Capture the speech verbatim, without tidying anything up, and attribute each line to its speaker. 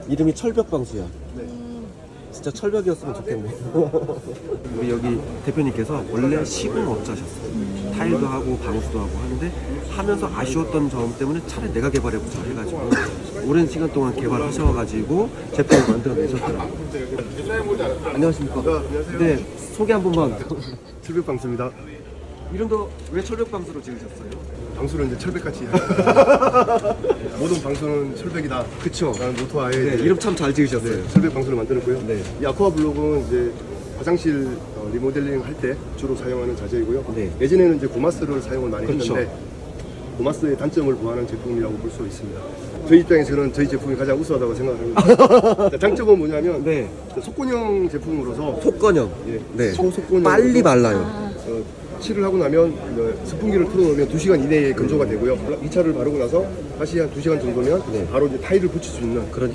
Speaker 1: 이름이 철벽방수야. 진짜 철벽이었으면 좋겠네. 우리 여기 대표님께서 원래 시공업자셨어요. 타일도 하고 방수도 하고 하는데 하면서 아쉬웠던 점 때문에 차라리 내가 개발해보자 해가지고 오랜 시간 동안 개발하셔가지고 제품을 만들어내셨더라고요. 안녕하십니까. 네, 소개 한 번만.
Speaker 2: 철벽방수입니다.
Speaker 1: 이름도 왜 철벽방수로 지으셨어요?
Speaker 2: 방수는 이제 철벽같이 모든 방수는 철벽이다.
Speaker 1: 그쵸.
Speaker 2: 라는 모토하에
Speaker 1: 네,
Speaker 2: 이제
Speaker 1: 이름 참 잘 지으셨어요.
Speaker 2: 네, 철벽 방수를 만들었고요.
Speaker 1: 네.
Speaker 2: 이 아쿠아 블록은 이제 화장실 어, 리모델링 할 때 주로 사용하는 자재이고요.
Speaker 1: 네.
Speaker 2: 예전에는 이제 고마스를 사용을 많이
Speaker 1: 그렇죠.
Speaker 2: 했는데 고마스의 단점을 보완한 제품이라고 볼 수 있습니다. 저희 입장에서는 저희 제품이 가장 우수하다고 생각합니다. 자, 장점은 뭐냐면
Speaker 1: 네.
Speaker 2: 속건형 제품으로서
Speaker 1: 속건형.
Speaker 2: 예,
Speaker 1: 네.
Speaker 2: 소속건형
Speaker 1: 빨리 말라요.
Speaker 2: 어, 칠을 하고 나면 어, 스푼기를 틀어놓으면 두 시간 이내에 건조가 되고요. 이 차를 바르고 나서 다시 한 두 시간 정도면
Speaker 1: 네.
Speaker 2: 바로 이제 타일을 붙일 수 있는
Speaker 1: 그런